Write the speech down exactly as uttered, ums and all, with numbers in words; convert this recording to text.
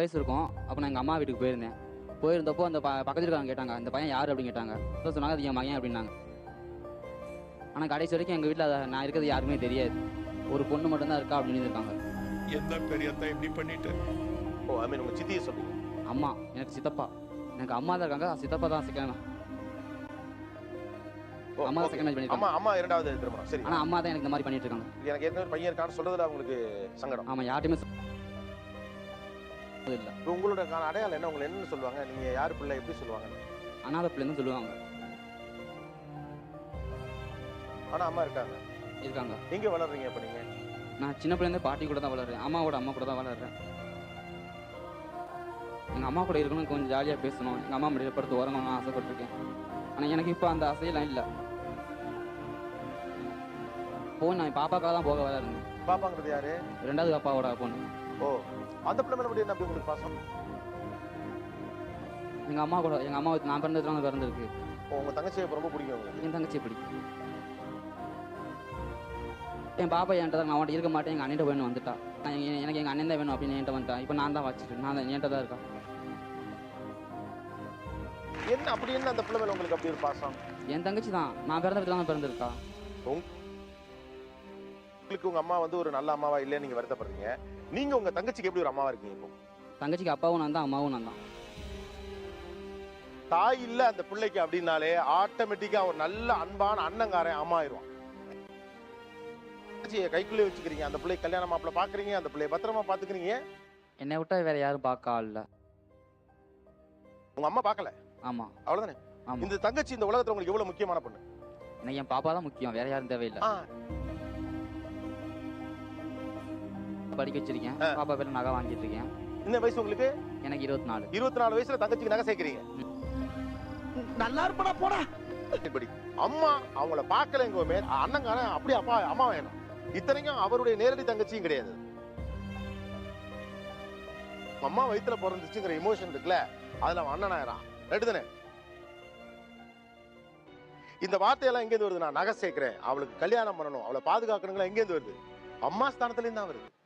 வயசு இருக்கும். அப்போ நான் எங்கள் அம்மா வீட்டுக்கு போயிருந்தேன். போயிருந்தப்போ அந்த ப பக்கத்துல இருக்கவங்க கேட்டாங்க, இந்த பையன் யார் அப்படின்னு கேட்டாங்க. அப்போ சொன்னாங்க, அது என் மகன் அப்படின்னாங்க. ஆனால் கடைசி வரைக்கும் எங்கள் வீட்டில் நான் இருக்கிறது யாருக்குமே தெரியாது. ஒரு பொண்ணு மட்டும்தான் இருக்கா அப்படின்னு இருக்காங்க. எந்த பெரியத்தா இப்படி பண்ணிட்டு? ஓ ஐ மீன் உங்க சித்தியை சொல்லுங்க. அம்மா எனக்கு சித்தப்பா, எனக்கு அம்மா தான் இருக்காங்க, சித்தப்பா தான் செகண்ட். ஓ, அம்மா தான் okay. செகண்ட் மேரேஜ் அம்மா பண்ணிருக்காங்க. அம்மா இரண்டாவது திருமணம். சரி. ஆனால் அம்மா தான் எனக்கு இந்த மாதிரி பண்ணிட்டு இருக்காங்க. எனக்கு ஏற்கனவே பையன் இருக்கான்னு சொல்றதுல அவங்களுக்கு சங்கடம். ஆமாம், யார்ட்டையுமே இல்லை. இப்போ உங்களோட கான அடையாளம் என்ன? உங்களை என்னன்னு சொல்லுவாங்க? நீங்க யார் பிள்ளை எப்படி சொல்லுவாங்க? அனாதை பிள்ளைன்னு சொல்லுவாங்க. ஆனா அம்மா இருக்காங்க. இருக்காங்க. எங்க வளர்றீங்க இப்ப நீங்க? நான் சின்ன பிள்ளைலேருந்து பாட்டி கூட தான் வளர்றேன். அம்மாவோட அம்மா கூட தான் வளர்றேன். எங்கள் அம்மா கூட இருக்கணும், கொஞ்சம் ஜாலியாக பேசணும், எங்கள் அம்மா முடியல படுத்து உறங்கணும்னு ஆசைப்பட்டிருக்கேன். ஆனால் எனக்கு இப்போ அந்த ஆசையெல்லாம் இல்லை. போன் நான் பாப்பாக்காக தான் போக வர இருந்தேன். பாப்பாங்கிறது யாரு? ரெண்டாவது அப்பாவோட பொண்ணு. ஓ, அந்த பிள்ளை மேல மட்டும் என்ன அப்படி உங்களுக்கு பாசம்? எங்கள் அம்மா கூட, எங்கள் அம்மா நான் பிறந்ததுலாம் பிறந்திருக்கு. ஓ, உங்க தங்கச்சியை இப்ப ரொம்ப பிடிக்கும் உங்களுக்கு? என் தங்கச்சி எப்படி என் பாப்பா என்கிட்ட தான், நான் அவன்கிட்ட இருக்க மாட்டேன், எங்கள் அண்ணன் வேணும் வந்துட்டா. நான் எங்க- எனக்கு எங்கள் அண்ணன் தான் வேணும் அப்படின்னு என்கிட்ட வந்துட்டா. இப்போ நான் தான் வச்சுட்டு நான் தான் என்கிட்ட தான் இருக்கா. என்ன அப்படி என்ன அந்த பிள்ளை மேல உங்களுக்கு அப்படி ஒரு பாசம்? என் தங்கச்சி தான், நான் பிறந்த வீட்டில் தான் பிறந்திருக்கா. உங்களுக்கு உங்க அம்மா வந்து ஒரு நல்ல அம்மாவா இல்லைன்னு நீங்க வருத்தப்படுறீங்க. நீங்க உங்க தங்கச்சிக்கு எப்படி ஒரு அம்மாவா இருக்கீங்க இப்போ? தங்கச்சிக்கு அப்பாவும் நான் தான், அம்மாவும் நான் தான். தாய் இல்ல அந்த பிள்ளைக்கு அப்படின்னாலே ஆட்டோமேட்டிக்கா ஒரு நல்ல அன்பான அண்ணங்காரன் அம்மா ஆயிடுவான். தங்கச்சியை கைக்குள்ளே வச்சுக்கிறீங்க, அந்த பிள்ளை கல்யாண மாப்பிள்ள பாக்குறீங்க, அந்த பிள்ளைய பத்திரமா பாத்துக்கிறீங்க. என்னை விட்டா வேற யாரும் பார்க்க ஆள் இல்லை. உங்க அம்மா பார்க்கல, ஆமாம். அவ்வளவுதானே? ஆமாம், இந்த தங்கச்சி இந்த உலகத்துல உங்களுக்கு எவ்வளவு முக்கியமான பொண்ணு? எனக்கு என் பாப்பா தான் முக்கியம், வேற யாரும் தேவையில்லை. ஆ, படிக்க வச்சிருக்கேன், ஆ. பாப்பா பேர் நகை வாங்கிட்டு இருக்கேன். இந்த வயசு உங்களுக்கு எனக்கு இருபத்தி நாலு. இருபத்தி நாலு வயசுல தங்கச்சிக்கு நகை சேர்க்கிறீங்க. நல்லா இருப்படா போடா. இப்படி அம்மா அவங்கள பார்க்கலங்குமே அண்ணங்காரன் அப்படியே அப்பா அம்மா வேணும். இத்தனைக்கும் அவருடைய நேரடி தங்கச்சியும் கிடையாது. அம்மா வயித்துல பிறந்துச்சுங்கிற இமோஷன் இருக்குல்ல, அதுல அவன் அண்ணன் ஆயிரான். ரைட்டு தானே? இந்த வார்த்தையெல்லாம் எங்கேருந்து வருது? நான் நகை சேர்க்கிறேன், அவளுக்கு கல்யாணம் பண்ணணும், அவளை பாதுகாக்கணுங்களா, எங்கேருந்து வருது? அம்மா ஸ்தானத்துல இருந்து தான் வருது.